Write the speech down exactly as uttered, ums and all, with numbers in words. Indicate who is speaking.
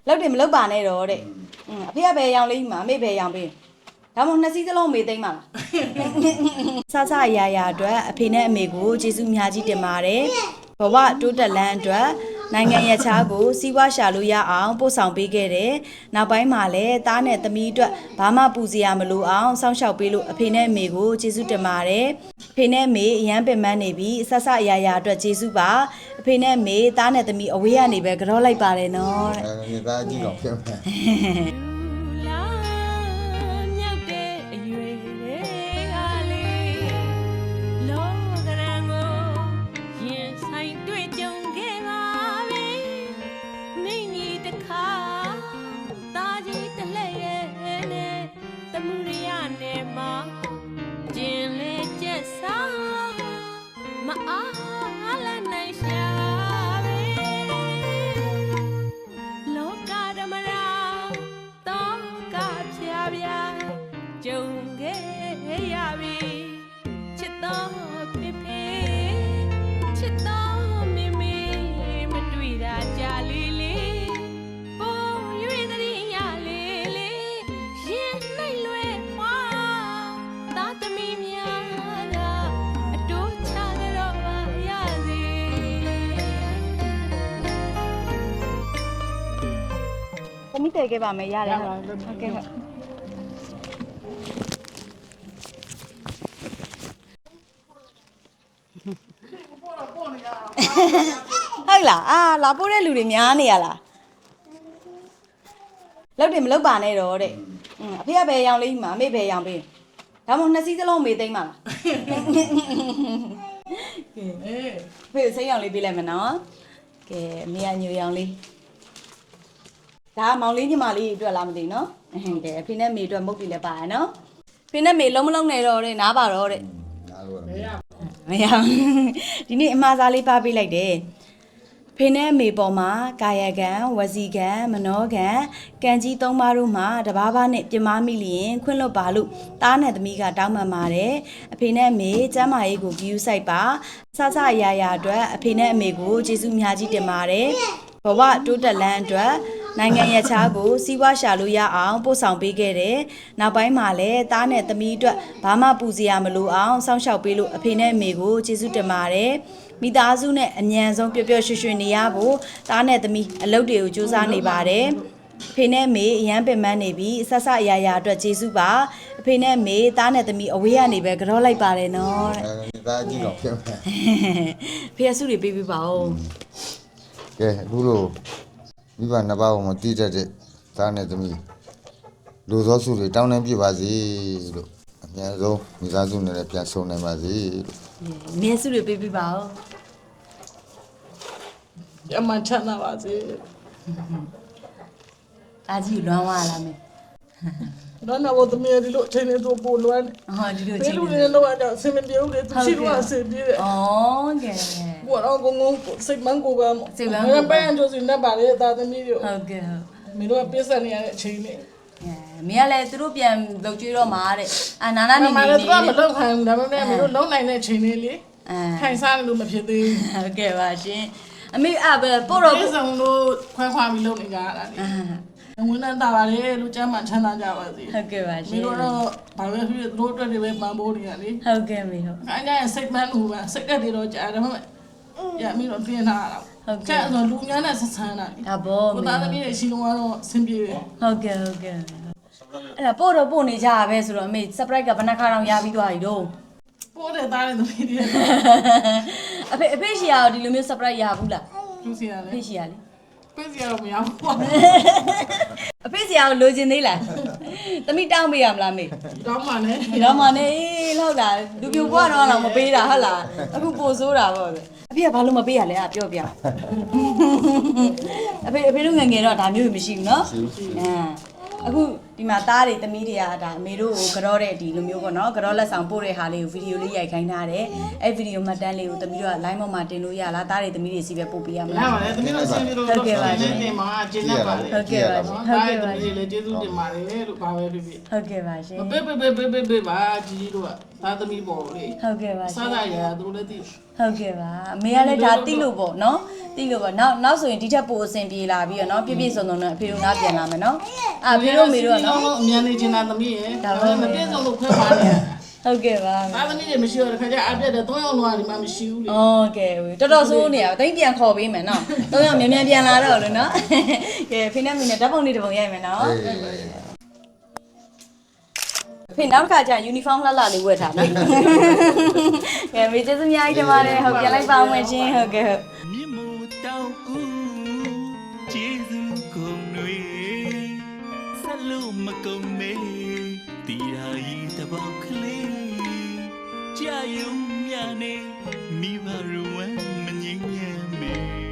Speaker 1: လောက်တယ်မလောက်ပါနဲ့တော့တဲ့အဖေကဘယ်ရောင်လေးမှာအမေဘယ်ရောင်ပေးဒါမှမဟုတ်နှစ်စီးစလုံးမေးသိမ့်ပါလားဆဆအရာရာအတွက်အဖေနဲ့အမေကိုကျေးဇူးအများကြီးတင်ပါတယ်ဘဝတိုးတက်လန်းအတွက်နိုင်ငံရခြားကိုစီးပွားရှာလို့ရအောင်ပို့ဆောင်ပေးခဲ့တယ်နောက်ပိုင်းမှာလည်းသားနဲ့သမီးအတွက်ဘာမှပူစရာမလိုအောင်စောင့်ရှောက်ပေးလို့အဖေနဲ့အမေကိုကျေးဇူးတင်ပါတယ်အဖေနဲ့အမေအရန်ပင်ပန်းနေပြီးဆဆအရာရာအတွက်ကျေးဇူးပါအဖေနဲ့အမေသားနဲ့သမီးအဝေးကနေပဲကြောလိုက်ပါတယ်နော်တဲ့
Speaker 2: အဲဒါကြည့်တော့ဖြစ်မယ်သမီးတည်ခဲ့ပါမယ်ရတယ်ဟုတ်ကဲ့ဟုတ်ဟုတ်လားအာလာပို့တဲ့လူတွေများနေရလားလောက်တယ်မလောက်ပါနဲ့တော့တဲ့အဖေကဘယ်ရောင်လေးမှာအမေဘယ်ရောင်ပေးဒါမှမဟုတ်နှစ်စီးစလုံးမေးသိမ့်ပါလားကဲဖေစိတ်ရောင်လေးပေးလိုက်မယ်နော်ကဲအမေကညိုရောင်လေးဒါမောင်လေးညီမလေးအတွက်လားမသိနော်ဟုတ်တယ်အဖေနဲ့မေအတွက်မုတ်ပြီလည်းပါရနော်ဖေနဲ့မေလုံးမလုံးနဲ့တော့တဲ့နားပါတော့တဲ့နားလို့မရ
Speaker 1: မရဒီနေ့အမှားစားလေးပါပေးလိုက်တယ်ဖေနဲ့မေပေါ်မှာကာယကံဝစီကံမနောကံကံကြီးသုံးပါးတို့မှာတဘာဘာနဲ့ပြမမိလျင်ခွင့်လွတ်ပါလို့တားနဲ့သမီးကတောင်းပန်ပါတယ်အဖေနဲ့မေကျမ်းမာရေးကိုဂရုစိုက်ပါဆဆအရာရာအတွက်အဖေနဲ့အမေကိုကျေးဇူးအများကြီးတင်ပါတယ်ဘဝတိုးတက်လန်းအတွက်နိုင်ငံရခြားကိုစီးပွားရှာလို့ရအောင်ပို့ဆောင်ပေးခဲ့တယ်။နောက်ပိုင်းမှာလည်းသားနဲ့သမီးအတွက်ဘာမှပူစရာမလိုအောင်စောင့်ရှောက်ပေးလို့အဖေနဲ့အမေကိုကျေးဇူးတင်ပါတယ်။မိသားစုနဲ့အမြန်ဆုံးပျော်ပျော်ရွှင်ရွှင်နေရဖို့သားနဲ့သမီးအလုပ်တွေကိုကြိုးစားနေပါတယ်။အဖေနဲ့အမေအရန်ပင်ပန်းနေပြီးဆက်ဆက်အရာရာအတွက်ကျေးဇူးပါ။အဖေနဲ့အမေသားနဲ့သမီးအဝေးကနေပဲကြောလိုက်ပါတယ်နော်တဲ့
Speaker 2: ။အဲဒါကြည့်တော့ဖြစ်မယ်
Speaker 1: ။ဖေဆုတွေပေးပေးပါဦး
Speaker 2: ။ကဲအခုလိုမိဘနှစ်ပါးကိုမတိတတ်တဲ့သားနဲ့သမီးလူသောစုတွေတောင်းတပြပါစေလို့အများဆုံးမိသားစုနဲ့လည်းပြန်ဆုံနိုင်ပါစေလို့
Speaker 1: အများစုတွေပေးပေးပါဦး
Speaker 3: ရမချမ်းသာပါစေ
Speaker 1: အားကြီးလွမ်းသွားလားမေ
Speaker 3: တော့တော့သမီးဒီလိုအချိန်လေးတို့ပို့လွမ်း
Speaker 1: ဟောဒီလိုအချိန်
Speaker 3: လေးလေးတော့အဆင်မပြေဘူးလေသူရှိတော့အဆင်ပြေတယ်
Speaker 1: ဩကဲ
Speaker 3: ဘောတော့ငုံငုံစိတ်မန်းကိုကစိတ်မန်းကိုပန်းကြိုးစနေပါလေတာသမီးတို့
Speaker 1: ဟုတ်ကဲ့
Speaker 3: မင်းတို့ပြဿနာနေရတဲ့အချိန်လေး
Speaker 1: မင်းကလည်းသူတို့ပြန်လုပ်ကြွေးတော့မှာတဲ့အာနာနာနေနေ
Speaker 3: မလည်းသူကမလုပ်ခိုင်းဘူးဒါပေမဲ့မင်းတို့လုံးနိုင်တဲ့အချိန်လေးလေခိုင်စားလို့မဖြစ်သေးဘူး
Speaker 1: ဟုတ်ကဲ့ပါရှင်အမေအဘပို့တော့
Speaker 3: ပြည်စုံလို့ခွဲခွာပြီးလုပ်နေကြရတာလေဝင်နေတာပါလေလူကျမ်းမှချမ်းသာကြပါစေ
Speaker 1: ဟုတ်ကဲ့ပါရှင်
Speaker 3: မင်းတို့တော့ဘာပဲဖြစ်ဖြစ်သူတို့အတွက်တွေပဲပံ့ပိုးနေရလေ
Speaker 1: ဟုတ်ကဲ့မေဟုတ်
Speaker 3: အဲ့ဒါစိတ်မှန်လို့ပါစိတ်ကတည်းတော့ကြားတယ်မဟုတ်ရမင်းတို့ပြင်လာတာဟုတ်ကဲ့ဆိုလူများနဲ့ဆက်ဆန်းတာ
Speaker 1: အဘော
Speaker 3: ကိုသားသမီးတွေရှိတော့တော့အဆင်ပြေတယ်
Speaker 1: ဟုတ်ကဲ့ဟုတ်ကဲ့အဲ့ဒါပို့တော့ပို့နေကြရပဲဆိုတော့အမေ surprise ကဘယ်နှခါတောင်ရပြီးသွားပြီတော့
Speaker 3: ပို့တဲ့သားတဲ့သမီးတွေ
Speaker 1: အဖေအဖေရှိရတော့ဒီလိုမျိုး surprise ရဘူးလား
Speaker 3: သူစီရလေ
Speaker 1: အဖေရှိရလေ
Speaker 3: ပြည့်စရာတော့မရဘူး
Speaker 1: အဖေစီရအောင်လိုချင်သေးလားသမီးတောင်းပေးရမလားမေ
Speaker 3: တောင်းပါနဲ့
Speaker 1: တောင်းပါနဲ့ဟုတ်လားလူပြိုဘွားတော့တော့မပေးတာဟုတ်လားအခုပို့ဆိုးတာပေါ့အဖေကဘာလို့မပေးရလဲအပြောပြအဖေအဖေတို့ငငယ်တော့ဒါမျိုးမရှိဘူးเนาะအဲအခုဒီမှာသားတွေသမီးတွေကဒါအမေတို့ကိုကြောတဲ့ဒီလိုမျိုးပေါ့နော်ကြောလက်ဆောင်ပို့တဲ့ဟာလေးကိုဗီဒီယိုလေးရိုက်ခိုင်းထားတယ်အဲ့ဗီဒီယိုမှတ်တမ်းလေးကိုသမီးတို့က line ပေါ်မှာတင်လို့ရလားသားတွေသမီးတွေစီပဲပို့ပေးရမလား
Speaker 3: ရပါတယ်သမီးတို့ဆင်းပြီးတော့ဟုတ်ကဲ့ပါရှင်တင်မှာကျင်းနေပါလေ
Speaker 1: ဟုတ်ကဲ့ပါရှင်
Speaker 3: ဟုတ်ကဲ့ပါရှင်လေကျေးဇူးတင်ပါတယ်လို့ဘာပဲဖြစ်ဖြစ်
Speaker 1: ဟုတ်ကဲ့ပါရှင်
Speaker 3: ပေးပေးပေးပေးပေးပါကြီးကြီးတို့ကသားသမီးပေါ်လေ
Speaker 1: ဟုတ်ကဲ့ပါ
Speaker 3: စားရရသူတို့လည်းသိ
Speaker 1: ဟုတ်ကဲ့ပါအမေကလည်းဒါသိလို့ပေါ့နော်တိလို့ပေါ့နောက်နောက်ဆိုရင်ဒီထက်ပိုအဆင်ပြေလာပြီးတော့เนาะပြည့်ပြည့်စုံစုံနဲ့အဖေတို့ငါပြန်လာမယ်เนาะအာဖေတို့မေတို့ကเนาะ
Speaker 3: အမြန်နေချင်တာသမီးရဲ့ဒါပေမဲ့မပြည့်စုံလို့ခွဲပါနေ
Speaker 1: ဟုတ်ကဲ့ပါ
Speaker 3: ။အားသမီးတွေမရှိတော့တခါကျအပြတ်တဲ့သုံးယောက်လောက်ဒီမှာမရှိဘူးလေ
Speaker 1: โอเคတော်တော်ဆိုးနေရတိတ်ပြန်ခေါ်ပေးမယ်เนาะသုံးယောက်မြန်မြန်ပြန်လာတော့လို့เนาะကဲဖေနဲ့မေနဲ့ဓာတ်ပုံလေးတစ်ပုံရိုက်မယ်เนาะဖေနောက်တစ်ခါကျရင် uniform လှလှလေးဝတ်ထားနော်ကဲမေကျေးဇူးအများကြီးတင်ပါတယ်ဟုတ်ပြန်လိုက်ပါအောင်ရှင်ဟုတ်ကဲ့ဟုတ်
Speaker 4: မြင့်မို့တောင်းဦးကျေးဇူးကုန်တွေဆက်လို့မကုန်မေတီရာဤတပေါက်ကလေးကြာယုံမြနေမိဘရဝမ်းမငြိမ်းရမေ